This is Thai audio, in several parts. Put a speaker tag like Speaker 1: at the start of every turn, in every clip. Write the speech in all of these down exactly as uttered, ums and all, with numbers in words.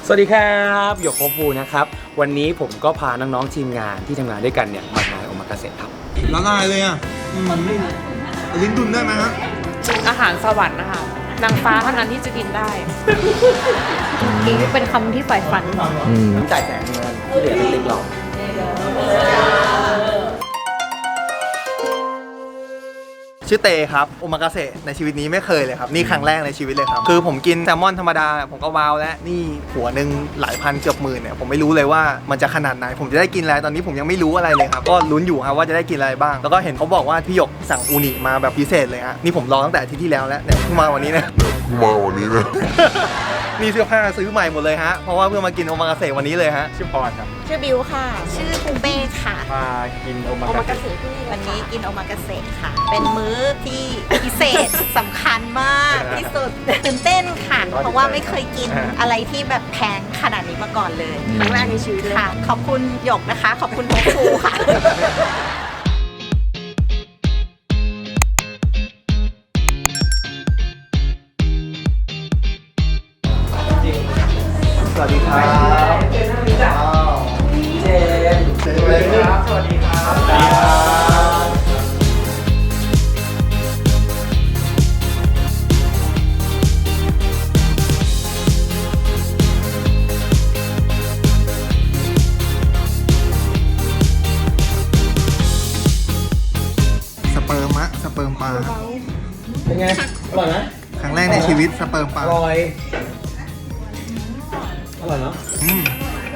Speaker 1: สวัสดีครับหยกโคฟูนะครับวันนี้ผมก็พาน้องๆทีมงานที่ทำงานด้วยกันเนี่ยมางานโอมากาเสะครับ
Speaker 2: ละลายเลยอ่ะลิ้นดุนได้ไหมฮะ
Speaker 3: อาหารสวรรค์นะคะนางฟ้าเท่านั้นที่จะกินได้นี่เป็นคำที่ใฝ่ฝัน
Speaker 1: จ่ายแสนเงินที่เหลือเป็นติ๊กหลอก
Speaker 2: ชื่อเตครับโอมากาเสะในชีวิตนี้ไม่เคยเลยครับนี่ครั้งแรกในชีวิตเลยครับคือผมกินแซลมอนธรรมดาผมก็ว้าวแล้วนี่หัวหนึ่งหลายพันเกือบหมื่นเนี่ยผมไม่รู้เลยว่ามันจะขนาดไหนผมจะได้กินอะไรตอนนี้ผมยังไม่รู้อะไรเลยครับก็ลุ้นอยู่ครับว่าจะได้กินอะไรบ้างแล้วก็เห็นเขาบอกว่าพี่หยกสั่งอูนิมาแบบพิเศษเลยฮะนี่ผมรอตั้งแต่อาทิตย์ที่แล้วแล้วเนี่ยเพิ่งมาวันนี้นะมาวันนี้นะนี่เสื้อผ้าซื้อใหม่หมดเลยฮะเพราะว่าเพื่อมากินโอมากาเสะวันนี้เลยฮะ
Speaker 1: ชื่อพรครับ
Speaker 3: ชื่อบิวค่ะชื่อปูเป้ค่ะ
Speaker 1: มากินโอมากาเสะ
Speaker 3: วันนี้กินโอมากาเสะค่ะเป็นมื้อที่พิเศษสำคัญมากที่สุดตื่นเต้นค่ะเพราะว่าไม่เคยกินอะไรที่แบบแพงขนาดนี้มาก่อนเลยครั้งแรกในชีวิตเลยค่ะขอบคุณหยกนะคะขอบคุณโฮฟูค่ะ
Speaker 2: สวัสดีครับเจนเจนสวัสดีครับสวัสดีครับสวัสดีครับสเปิร์มอะสเปิร์มปลา
Speaker 1: เป็นไงอร่อยไหม
Speaker 2: ครั้งแรกในชีวิตสเปิร์มปลา
Speaker 1: อร่อยอร่อยเนาะ
Speaker 2: อืม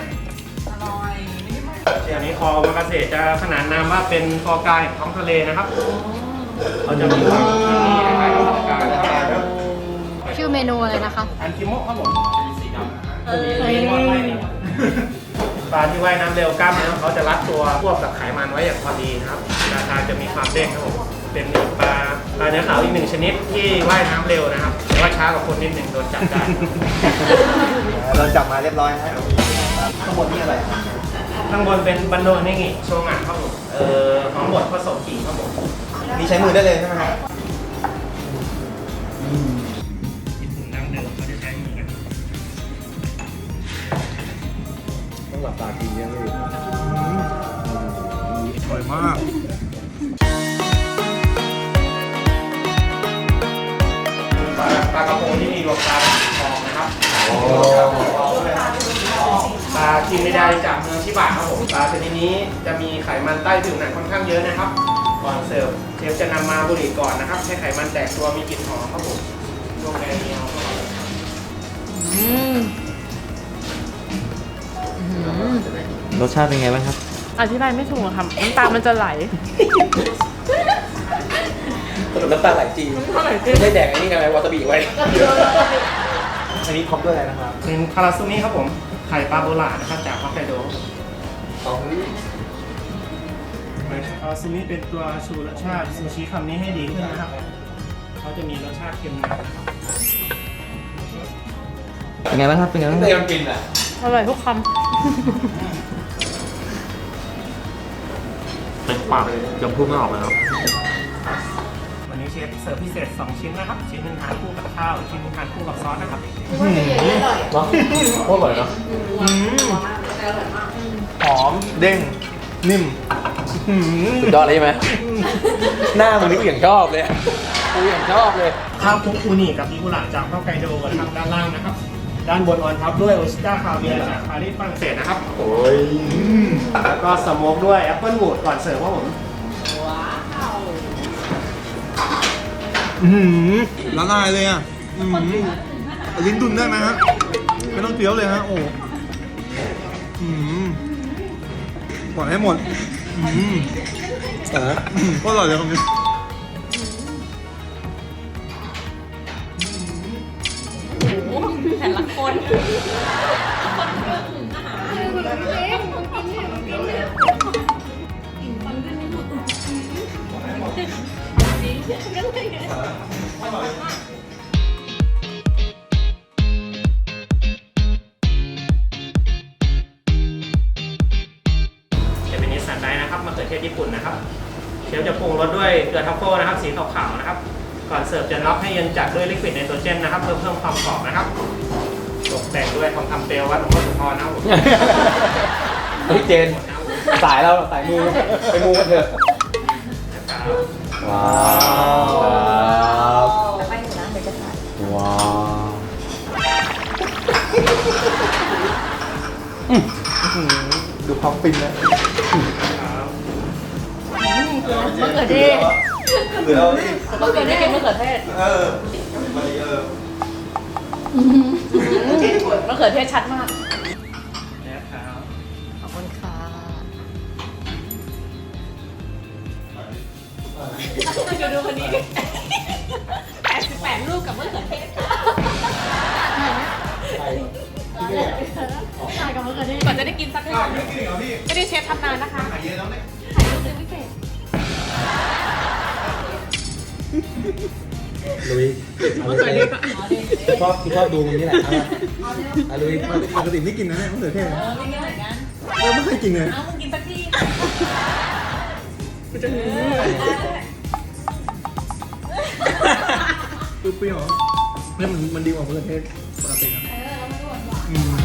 Speaker 4: อย่างนี้คอโอมากาเสะจะขนานนามว่าเป็นคอกายของท้องทะเลนะครับเขาจะมีความที่นี่คล้ายกับคอกายนะครับ
Speaker 3: ชื่อเมนูอะไรนะคะ
Speaker 4: อันคิโมะครับผมปลาที่ว่ายน้ำเร็วกล้ามเนื้อเขาจะรัดตัวควบกับไขมันไว้อย่างพอดีนะครับราคาจะมีความเด้งครับผมเป็นปลาปลาเนื้อขาวอีกหนึ่งชนิดที่ว่ายน้ำเร็วนะครับแต่ว่าช้ากว่าคนนิดหนึ่งโดนจับได้
Speaker 2: โดนจับมาเรียบร้อยแล้วข้างบนนี่อะไร
Speaker 4: ข้างบนเป็นบันโดเนงิโชงะครับผมเอ่อหอมบดผสมขิงครับผม
Speaker 2: นี่ใช้มือได้เลยใช่ไหมครับ
Speaker 4: ญี่ปุ่นดั้งเดิมเขาจะใช้มือกัน
Speaker 1: ต้องหลับตากินยังไง
Speaker 2: อร่อยมาก
Speaker 4: ปลากระพงที่มีรสชาติทองนะครับปลากินไม่ได้จากเมืองชิบะครับผมปลาชนิดนี้จะมีไขมันใต้ผิวหนังค่อนข้างเยอะนะครับก่อนเสิร์ฟเชฟจะนำมาบุหรี่ก่อนนะครับให้ไขมันแตกตัวมีกลิ่นหอมครับผมลงแกงเนียว
Speaker 1: รสชาติเป็นไงบ้างครับ
Speaker 3: อธิบายไม่ถูกค่ะน้ำตามันจะไหล
Speaker 1: น้ำตาไหลจริงไม่แดกอันนี้ไงวาซาบิไว้อันนี้พร้อมด้วยอะไรนะครับ
Speaker 4: เป็นคาราซูมิครับผมไข่ปลาโบราณนะครับจากฮอกไกโดคาราซูมิเป็นตัวชูรสชาติซูชิคำนี้ให้ดีขึ้นนะครับเขาจะมีรสชาติเค็มหน่อย
Speaker 1: เป็นไงบ้างครับเป็นไงบ้างไม่ยอมกินอ่ะ
Speaker 3: อร่อยทุกคำ
Speaker 1: เป็นปากจำพูดไม่ออกเลยครับ
Speaker 4: วันนี้เชฟเสิร์ฟพิเศษสองชิ้นนะครับชิ้นหนึ่งทานคู่กับข้าวชิ้นหนึ่งทานคู่กับซอสนะครับ
Speaker 1: เนาะโคตรอร่อยเนาะ
Speaker 2: หอมเด้งนิ่ม
Speaker 1: สุดยอดเลยใช่ไหมหน้ามึงนี่กูอย่างชอบเลยกูอย่างชอบเลย
Speaker 4: ข้าวคลุกอูนิกับอิกุระจากฮอกไกโดนะครับด้านล่างนะครับด้านบนออนท็อปด้วยโอชิต้าคาเวียร์จากปารีสฝรั่งเศสนะครับ
Speaker 1: โอ้ย
Speaker 4: แล้วก็สโมกด้วยแอปเปิลวูดก่อนเสิร์ฟครับผม
Speaker 2: ละลายเลยอ่ะลิ้นดุนได้ไหมฮะไม่ต้องเคี้ยวเลยฮะโอ้ปล่อยให้หมดก็อร่อยเลยครับ
Speaker 3: แต่ละคน
Speaker 4: จะเป็นนิสสันไดนะครับมะเขือเทศญี่ปุ่นนะครับเชฟจะปรุงรสด้วยเกลือทัฟเฟิลนะครับสีขาวๆนะครับ ก่อนเสิร์ฟจะน็อกให้เย็นจัดด้วยลิควิดไนโตรเจนนะครับเพื่อเพิ่มความกรอบนะครับตกแต่งด้วยทองคำเปลววัดหลวงพ่อโสธรนะครับผม
Speaker 1: เฮ้ยเจน สายเราสายมูไปมูกันเถอะว้าว
Speaker 3: แต่ไปอยู่นะเดี๋ยวจะถ่าย
Speaker 1: ว้าว
Speaker 2: ดูความฟินนะ
Speaker 3: มะเขือเทศ
Speaker 2: หรือเรานี่
Speaker 3: มะเขือเทศมะเขือเทศ
Speaker 2: เออมาดิเออ
Speaker 3: มะเขือเทศชัดมาก
Speaker 4: นะครับ
Speaker 3: ขอบคุณค่ะจะดูคนนี้แปดสิบแปดรูปกับมะเขือเทศถ่ายกับมะเขือเทศก่อนจะได้กินสักคำไม่ได้เชฟทำนานนะคะถ่ายรูปเป็นพิเศษ
Speaker 1: ลุยชอบชอบดูมันนี่แหละอ่ะลุย
Speaker 2: ปกติไม่กินนะเนี่ยมะเขือเทศ
Speaker 3: เออไม่เหมือนกัน
Speaker 2: เราไม่เคยกินเลย
Speaker 3: เอามึงกินสักที
Speaker 2: เปรี้ยวๆเนี่ยมันมันดีกว่ามะเขือเทศปกติครับอืม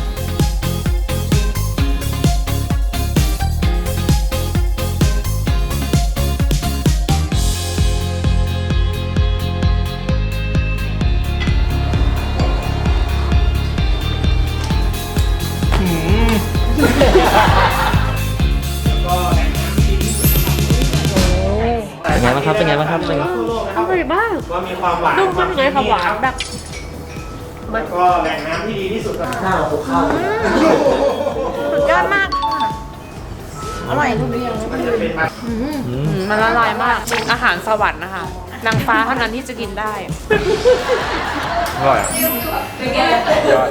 Speaker 4: เป็นไงบ้างครับ เป็นไงบ้างครับเป็นไงทั่วโลกนะครับ
Speaker 3: อร่อยมาก
Speaker 4: ว่ามีความหวาน
Speaker 3: ดูมันเป็นไงความหวานแบบ
Speaker 4: แล้วก็แหล่งน้ำที่ดีที่สุดก็
Speaker 1: ข้าวข้าว
Speaker 3: สุดยอดมากค่ะอร่อยทุกอย่าง
Speaker 4: มันจะเป็นมา
Speaker 5: มันละลายมาก อาหารสวรรค์นะคะ นางฟ้าเท่านั้นที่จะกินได้
Speaker 1: อร่อยยอด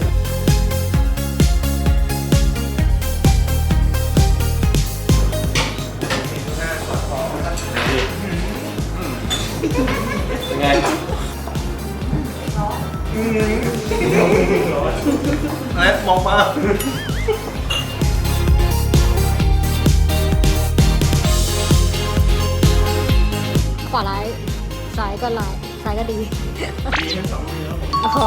Speaker 1: เป็นไงครับ
Speaker 2: อะไรมองมา
Speaker 6: ขวาร้ายซ้ายก็ร้ายซ้ายก็ดี
Speaker 4: ดีทั้งสองมือครับผม
Speaker 6: อ๋อ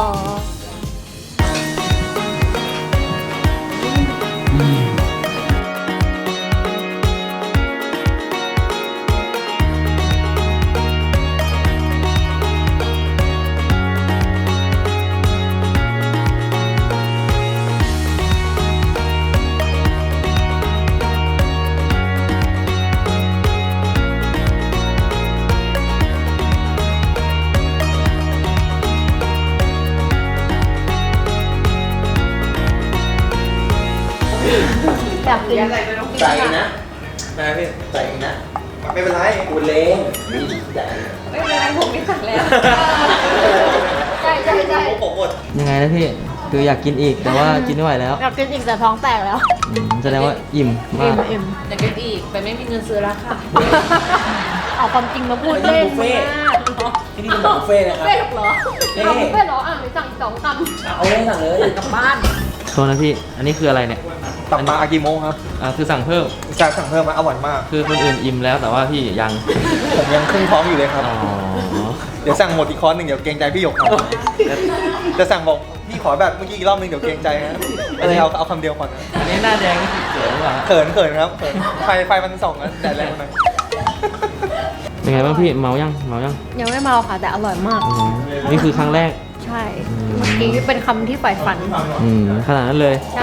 Speaker 6: อยากกิน
Speaker 1: ใส่นะแม่พี่ใส่นะ
Speaker 2: ไม่เป็นไร
Speaker 1: กูเล้งใส่
Speaker 3: ไม่เป็นไรผมไม่สั่งแล้ว
Speaker 6: ใช่ใช่ใช่
Speaker 2: ผมหมด
Speaker 7: ยังไงนะพี่ คืออยากกินอีกแต่ว่ากินไม่ไหวแล้ว
Speaker 6: อยากกินอีกแต่ท้องแตกแล้ว
Speaker 7: อืมแสดงว่าอิ่มมาก
Speaker 6: อิ่ม
Speaker 5: อยากกินอีก แต่ไม่มีเงินซื้อแล้วค่ะ
Speaker 6: เอาความจริงมาพูดเล่น
Speaker 1: บุฟเฟ่ต์
Speaker 6: มาก
Speaker 1: ที่นี่เป็นแบบบุฟเฟ่ต์นะค
Speaker 6: บุฟ
Speaker 1: รับ
Speaker 6: เฟ่ต์เหรอเอาบุฟเฟ่ต์เหรออ่ะหรือสั่งอีกสองคำ
Speaker 1: เอาเลยสั่งเลยกลับบ้าน
Speaker 7: โทษนะพี่ อันนี้คืออะไรเนี่ย
Speaker 2: ตับมาอากิโมะครับ
Speaker 7: อ่าคือสั่งเพิ่ม
Speaker 2: การสั่งเพิ่มมาอร่อยมาก
Speaker 7: คือคนอื่นอิ่มแล้วแต่ว่าพี่ยัง
Speaker 2: ผมยังครึ่งท้องอยู่เลยครับ
Speaker 7: อ๋อ
Speaker 2: เดี๋ยวสั่งหมดอีกคอร์สหนึ่งเดี๋ยวเกรงใจพี่หยกครับจะสั่งบอกพี่ขอแบบเมื่อกี้อีกรอบหนึงเดี๋ยวเกรงใจนะอะไรเอาเอาคำเดียวก่อนนะ
Speaker 7: อันนี้หน้าแดงนี่คือเกิดหรือเปล่า
Speaker 2: เขินเขินครับเขินไฟไฟมันส่องนะแดดแรงหน่อย
Speaker 7: เป็นไงบ้างพี่ เมายัง เมายัง
Speaker 6: ยังไม่เมาค่ะแต่อร่อยมาก
Speaker 7: อืมนี่คือครั้งแรก
Speaker 6: ใช่ เมื่อกี้เป็นคำที่ใฝ่ฝัน
Speaker 7: อืมขนาดนั้นเลย
Speaker 6: ใช่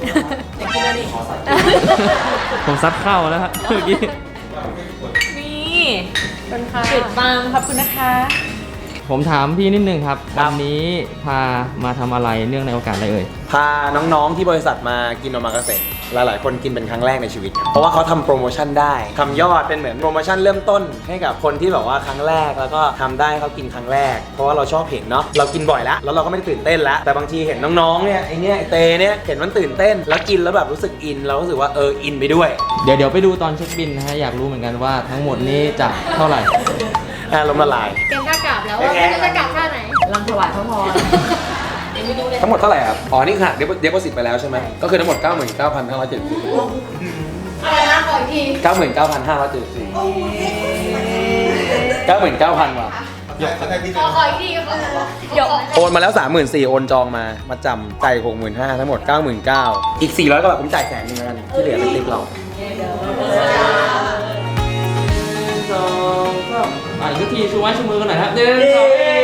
Speaker 7: ผมซัดเข้าแล้วฮะเมื่อกี้
Speaker 5: นี่
Speaker 6: เป็นค่ะ
Speaker 5: จุดบังขอบคุณนะคะ
Speaker 7: ผมถามพี่นิดนึงครับวันนี้พามาทำอะไรเนื่องในโอกาสอะไรเอ่ย
Speaker 1: พาน้องๆที่บริษัทมากินโอมากาเสะหลายๆคนกินเป็นครั้งแรกในชีวิตครับเพราะว่าเขาทำโปรโมชั่นได้ทำยอดเป็นเหมือนโปรโมชั่นเริ่มต้นให้กับคนที่แบบว่าครั้งแรกแล้วก็ทำได้เขากินครั้งแรก เพราะว่าเราชอบเห็นเนาะเรากินบ่อยแล้วแล้วเราก็ไม่ได้ตื่นเต้นแล้วแต่บางทีเห็นน้องๆเนี่ยไอเนี้ยไอเตเนี่ยเห็นมันตื่นเต้นแล้วกินแล้วแบบรู้สึกอินเรารู้สึกว่าเอออินไปด้วย
Speaker 7: เดี๋ยวเดี๋ยวไปดูตอนเช็คบินนะฮะอยากรู้เหมือนกันว่าทั้งหมดนี้จะเท่าไหร่
Speaker 1: อารมณ์ละลาย
Speaker 6: เกมกล้ากราบแล้วว่าไม่รู้จะกราบท่าไหน
Speaker 5: ลำถวายพระพร
Speaker 1: ทั้งหมดเท่าไหร่ครับอ๋อนี่ค่ะเดปเดปโพสิตไปแล้วใช่ไหมก็คือทั้งหมด เก้าหมื่นเก้าพันห้าร้อยเจ็ดสิบสี่
Speaker 6: อะไรนะขออีกที
Speaker 1: เก้าหมื่นเก้าพันห้าร้อยเจ็ดสิบสี่เก้าหมื่นเก้าพันว่ะ
Speaker 7: ยก
Speaker 1: โอนมาแล้ว สามหมื่นสี่พัน โอนจองมา มาจำใจ หกหมื่นห้าพัน ทั้งหมด เก้าหมื่นเก้าพัน อีก สี่ร้อยกว่าบาทผมจ่ายแสนนึงแล้วกัน ที่เหลือเป็นทิปเรา
Speaker 7: สองสามอ่ะอีกทีชูไม้ชูมือกันหน่อยครับหนึ่งสอง